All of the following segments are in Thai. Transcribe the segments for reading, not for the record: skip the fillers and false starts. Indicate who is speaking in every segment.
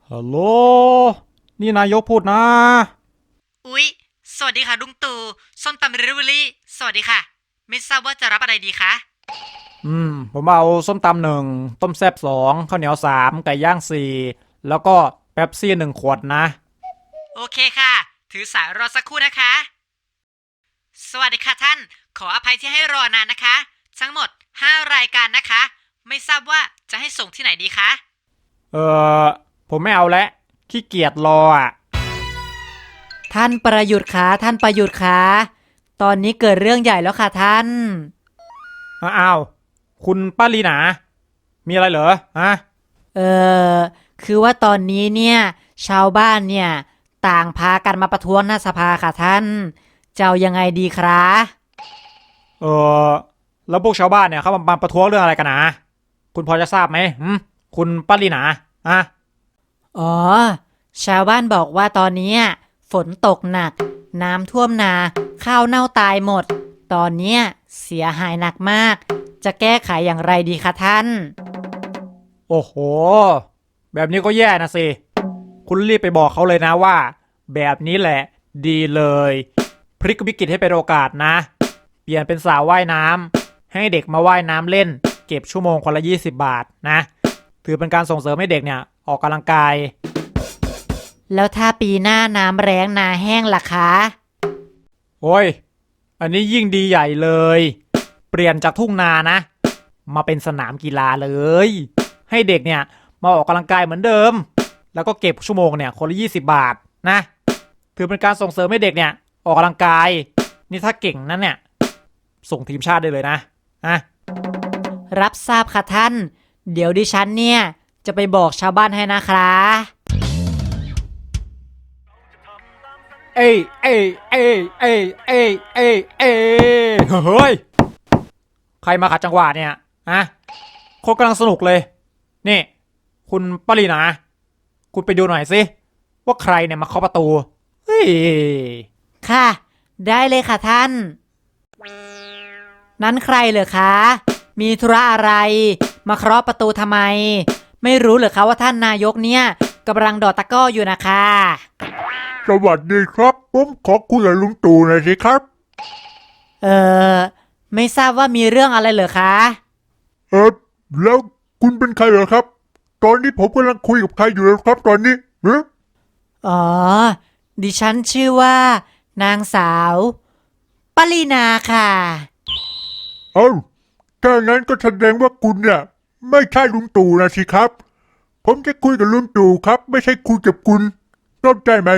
Speaker 1: ฮัลโหลนี่นายกพูดนะ
Speaker 2: อุ๊ยสวัสดีค่ะลุงตู่ส้มตำเดลิเวอรี่สวัสดีค่ะไม่ทราบว่าจะรับอะไรดีคะ
Speaker 1: ผมเอาส้มตำ1ต้มแซ่บ2ข้าวเหนียว3ไก่ย่าง4แล้วก็เป๊ปซี่1 ขวดนะ
Speaker 2: โอเคค่ะถือสายรอสักครู่นะคะสวัสดีค่ะท่านขออภัยที่ให้รอนานนะคะทั้งหมด5รายการนะคะไม่ทราบว่าจะให้ส่งที่ไหนดีคะ
Speaker 1: เออผมไม่เอาแล้วขี้เกียจรออ่ะ
Speaker 3: ท่านประยุทธ์คะท่านประยุทธ์คะตอนนี้เกิดเรื่องใหญ่แล้วค่ะท่าน
Speaker 1: อ้าวคุณป้าลีนามีอะไรเหรอฮะ
Speaker 3: เออคือว่าตอนนี้เนี่ยชาวบ้านเนี่ยต่างพากันมาประท้วงหน้าสภาค่ะท่านจะเอายังไงดีครับ
Speaker 1: เออแล้วพวกชาวบ้านเนี่ยเขามาประท้วงเรื่องอะไรกันนะคุณพอจะทราบไหมคุณป้าลีนาอะ
Speaker 3: อ๋อชาวบ้านบอกว่าตอนนี้ฝนตกหนักน้ำท่วมนาข้าวเน่าตายหมดตอนนี้เสียหายหนักมากจะแก้ไขอย่างไรดีคะท่าน
Speaker 1: โอ้โหแบบนี้ก็แย่นะสิคุณรีบไปบอกเขาเลยนะว่าแบบนี้แหละดีเลยพลิกวิกฤตให้เป็นโอกาสนะเปลี่ยนเป็นสระว่ายน้ำให้เด็กมาว่ายน้ำเล่นเก็บชั่วโมงคนละ20 บาทนะถือเป็นการส่งเสริมให้เด็กเนี่ยออกกำลังกาย
Speaker 3: แล้วถ้าปีหน้าน้ำแล้งนาแห้งล่ะคะ
Speaker 1: โอ้ยอันนี้ยิ่งดีใหญ่เลยเปลี่ยนจากทุ่งนานะมาเป็นสนามกีฬาเลยให้เด็กเนี่ยมาออกกำลังกายเหมือนเดิมแล้วก็เก็บชั่วโมงเนี่ยคนละ20 บาทนะถือเป็นการส่งเสริมให้เด็กเนี่ยออกกำลังกายนี่ถ้าเก่งนั้นเนี่ยส่งทีมชาติได้เลยนะ
Speaker 3: รับทราบค่ะท่านเดี๋ยวดิฉันเนี่ยจะไปบอกชาวบ้านให้นะครับ
Speaker 1: เอ้ยเอ้ยเอ้ยเอ้ยเอ้ยเอ้ยเอ้ยเฮ้ยใครมาขัดจังหวะเนี่ยคนกำลังสนุกเลยนี่คุณปรีนาคุณไปดูหน่อยสิว่าใครเนี่ยมาเคาะประตูเฮ้ย
Speaker 3: ค่ะได้เลยค่ะท่านนั้นใครเหรอคะมีธุระอะไรมาเคาะประตูทำไมไม่รู้เหรอคะว่าท่านนายกเนี่ยกำลังดอดตะก้ออยู่นะคะ
Speaker 4: สวัสดีครับผมขอคุยกับลุงตู่หน่อยสิครับ
Speaker 3: ไม่ทราบว่ามีเรื่องอะไรเหรอคะ
Speaker 4: แล้วคุณเป็นใครเหรอครับตอนนี้ผมกำลังคุยกับใครอยู่ครับตอนนี้
Speaker 3: อ๋อดิฉันชื่อว่านางสาวปรีนาค่ะ
Speaker 4: ถ้างั้นก็แสดงว่าคุณเนี่ยไม่ใช่ลุงตู่นะสิครับผมจะคุยกับลุงตู่ครับไม่ใช่คุยกับคุณเข้าใจไหม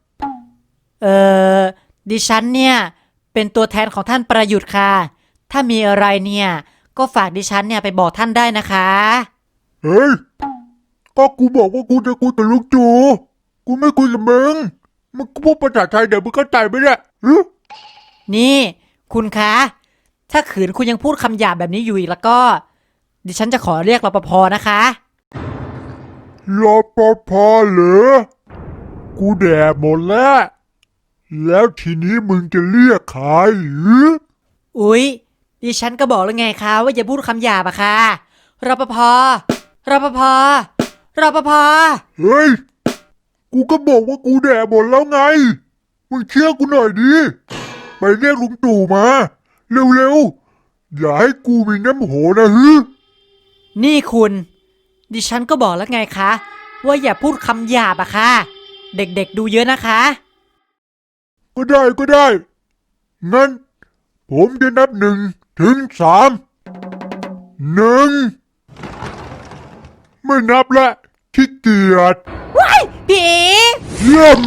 Speaker 3: ดิฉันเนี่ยเป็นตัวแทนของท่านประยุทธ์ค่ะถ้ามีอะไรเนี่ยก็ฝากดิฉันเนี่ยไปบอกท่านได้นะคะ
Speaker 4: เฮ้ยก็กูบอกว่ากูจะคุยกับลุงตู่กูไม่คุยกับมึงกูพูดภาษาไทยเดี๋ยวมึงเข้าใจไหมเนี่ย
Speaker 3: นี่คุณคะถ้าขืนคุณยังพูดคำหยาบแบบนี้อยู่อีกแล้วก็ดิฉันจะขอเรียกรปภนะคะ
Speaker 4: รปภเหรอกูแดดหมดแล้วทีนี้มึงจะเรียกใคร
Speaker 3: อุ๊ยดิฉันก็บอกแล้วไงคะว่าอย่าพูดคำหยาบอะค่ะรปภรปภรปภ
Speaker 4: เฮ้ยกูก็บอกว่ากูแดดหมดแล้วไงมึงเชื่อกูหน่อยดิไปเรียกลุงตู่มาเร็วๆอย่าให้กูมีน้ำโหนะ
Speaker 3: นี่คุณดิฉันก็บอกแล้วไงคะว่าอย่าพูดคำหยาบอะค่ะเด็กๆดูเยอะนะคะ
Speaker 4: ก็ได้งั้นผมจะนับ1 ถึง 3 1ไม่นับละขี้เกียจ
Speaker 3: ว้ายผี
Speaker 4: เยี่ยม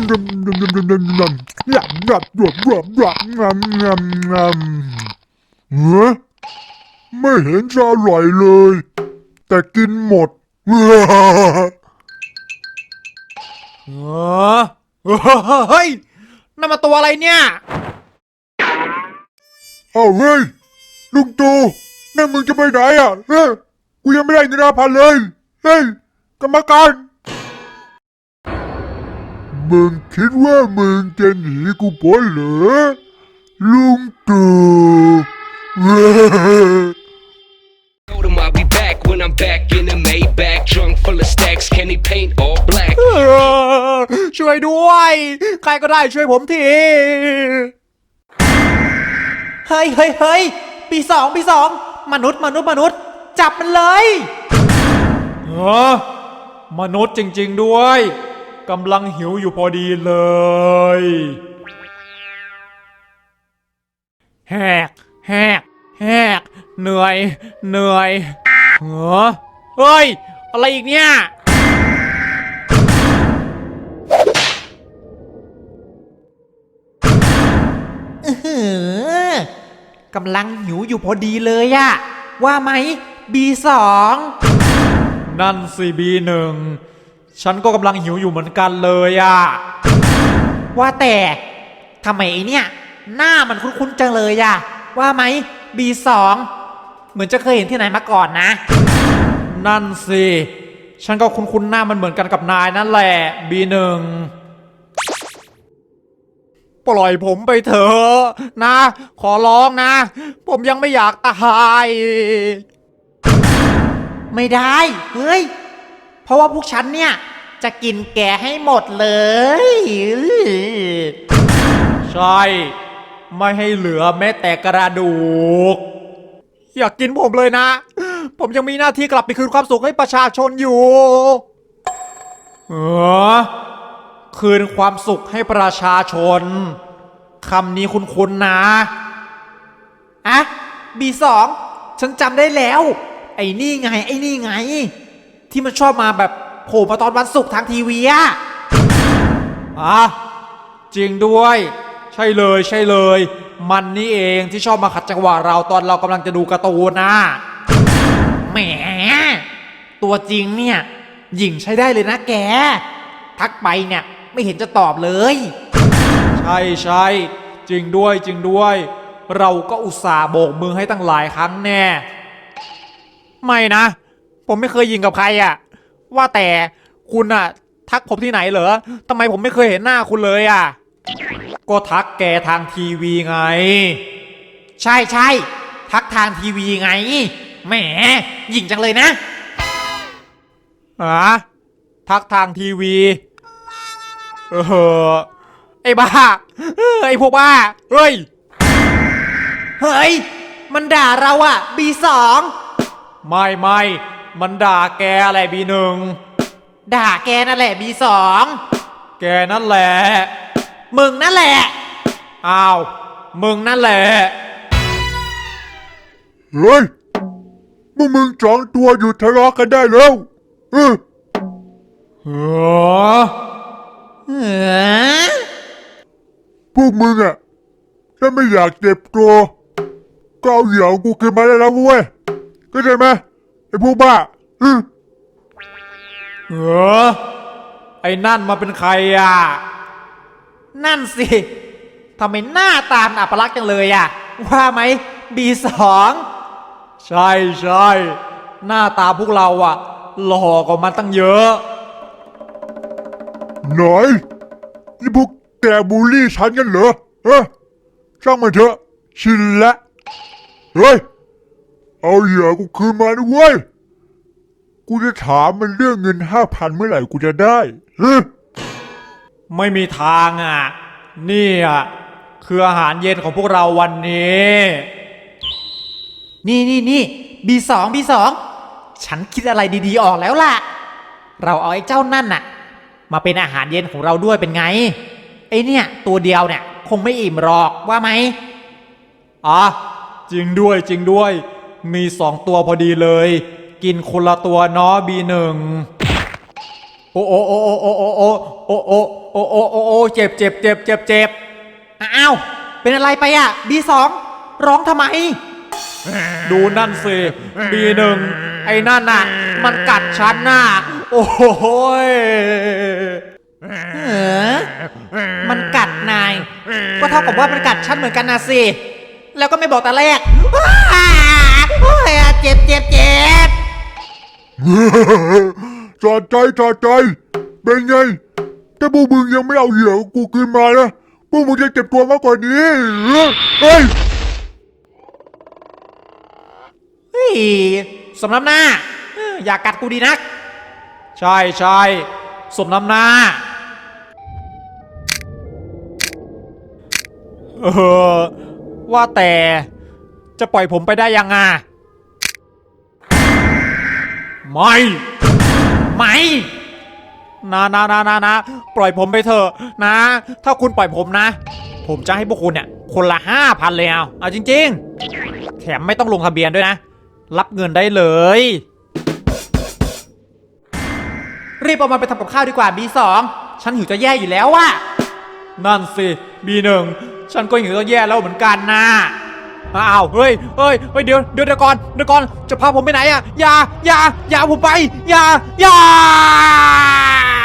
Speaker 4: ไม่เห็นจะอร่อยเลยแต่กินหมด
Speaker 1: เฮ้ยนั่นมาตัวอะไรเนี่ย
Speaker 4: เฮ้ยลุงตู่นั่นมึงจะไปไหนกูยังไม่ได้เงิน5,000เลยเฮ้ยกรรมการมึงคิดว่ามึงจะหนีกูพ้นเหรอลุงตู่
Speaker 5: Told him I'll be back when I'm back in the Maybach, trunk full of stacks. next? Can he paint all black?
Speaker 1: ช่วยด้วย ใครก็ได้ช่วยผมที
Speaker 3: เฮ้ยเฮ้ยเฮ้ยปีสองมนุษย์ จับมันเลย
Speaker 1: มนุษย์จริงๆด้วยกำลังหิวอยู่พอดีเลย แหกเหนื่อยเฮ้ย อะไรอีกเนี่ย
Speaker 3: กำลังหิวอยู่พอดีเลยอะว่าไหม B2
Speaker 1: นั่นสิB1 ฉันก็กำลังหิวอยู่เหมือนกันเลยอะ
Speaker 3: ว่าแต่ทำไมไอเนี่ย หน้ามันคุ้นๆจังเลยอะว่าไหม B2 เหมือนจะเคยเห็นที่ไหนมาก่อนนะ
Speaker 1: นั่นสิฉันก็คุ้นๆหน้ามันเหมือนกันกับนายนั่นแหละB1 ปล่อยผมไปเถอะนะ ขอร้องนะ ผมยังไม่อยากตาย
Speaker 3: ไม่ได้เฮ้ยเพราะว่าพวกฉันเนี่ยจะกินแกให้หมดเลย
Speaker 1: ใช่ ไม่ให้เหลือแม้แต่กระดูก อยากกินผมเลยนะ ผมยังมีหน้าที่กลับไปคืนความสุขให้ประชาชนอยู่คืนความสุขให้ประชาชนคำนี้คุ้นๆนะ
Speaker 3: อะ B2 ฉันจำได้แล้ว ไอ้นี่ไง ที่มันชอบมาแบบโผล่มาตอนวันศุกร์ทางทีวีอะ
Speaker 1: จริงด้วย ใช่เลย มันนี่เองที่ชอบมาขัดจังหวะเราตอนเรากำลังจะดูการ์ตูนนะ
Speaker 3: แหมตัวจริงเนี่ยหญิงใช้ได้เลยนะแก ทักไปเนี่ยไม่เห็นจะตอบเลย
Speaker 1: ใช่จริงด้วย เราก็อุตส่าห์โบกมือให้ตั้งหลายครั้งแน่ ไม่นะ ผมไม่เคยยิงกับใครอะว่าแต่คุณอะทักผมที่ไหนเหรอทำไมผมไม่เคยเห็นหน้าคุณเลยอะก็ทักแกทางทีวีไง
Speaker 3: ใช่ทักทางทีวีไงแหมหญิงจังเลยนะ
Speaker 1: ทักทางทีวีไอ้บ้าไอ้พวกบ้าเฮ้ย
Speaker 3: มันด่าเราอะ B2
Speaker 1: ไม่มันด่าแกอะไรB1
Speaker 3: ด่าแกนั่นแหละ B2
Speaker 1: แกนั่นแหละ
Speaker 3: มึงนั่นแหละ
Speaker 1: อ้าวมึงนั่นแหละ
Speaker 4: เฮ้ยพวกมึงสองตัวหยุดทะเลาะกันได้แล้ว
Speaker 1: เออ
Speaker 4: พวกมึงอะถ้าไม่อยากเจ็บตัวก็เอาเหยื่อของกูคืนมาได้แล้วเว้ยก็ใช่ไหมไอ้พวกบ้า
Speaker 1: ไอ้นั่นมาเป็นใครอ่ะ
Speaker 3: นั่นสิทำไมหน้าตามอัปลักษณ์จังเลยอะว่าไหม B2
Speaker 1: ใช่หน้าตาพวกเราอ่ะหล่อกว่ามันตั้งเยอะ
Speaker 4: หน่อยนี่พวกแกบูลลี่ฉันกันเหรอช่างมันเถอะชินละเฮ้ยเอาเหยื่อกูคืนมาด้วยเวยกูจะถามมันเรื่องเงิน 5,000 เมื่อไหร่กูจะได้
Speaker 1: ไม่มีทางอ่ะนี่อ่ะคืออาหารเย็นของพวกเราวันนี้
Speaker 3: นี่ B2 ฉันคิดอะไรดีๆออกแล้วล่ะเราเอาไอ้เจ้านั่นน่ะมาเป็นอาหารเย็นของเราด้วยเป็นไงไอ้เนี่ยตัวเดียวเนี่ยคงไม่อิ่มหรอกว่าไหม
Speaker 1: จริงด้วยมี2 ตัวพอดีเลยกินคนละตัวเนาะB1โอ้เจ็บ
Speaker 3: อ้าวเป็นอะไรไปอ่ะ B2 ร้องทำไม
Speaker 1: ดูนั่นสิB1ไอ้นั่นน่ะมันกัดฉันน่ะโอ้ย
Speaker 3: มันกัดนายก็เท่ากับว่ามันกัดฉันเหมือนกันนะสิแล้วก็ไม่บอกแต่แรกเจ็บ
Speaker 4: จอดใจเป็นไงถ้าพวกมึงยังไม่เอาเหยื่อของกูคืนมานะพวกมึงจะเจ็บตัวมากกว่านี้เฮ้ย
Speaker 3: สำนักหน้าอยากกัดกูดีนัก
Speaker 1: ใช่ใช่สมน้ำหน้า ว่าแต่จะปล่อยผมไปได้ยังอ่ะไม่นะปล่อยผมไปเถอะนะ ถ้าคุณปล่อยผมนะ ผมจะให้พวกคุณเนี่ยคนละ5,000เลยเอาจริงๆแถมไม่ต้องลงทะเบียนด้วยนะ รับเงินได้เลย รีบเอามาไปทำกับข้าวดีกว่า B2 ฉันหิวจะแย่อยู่แล้วว่ะนั่นสิ B1 ฉันก็หิวจะแย่แล้วเหมือนกันนะอ้าวเฮ้ยเดี๋ยวก่อนจะพาผมไปไหนอ่ะอย่าผมไปอย่า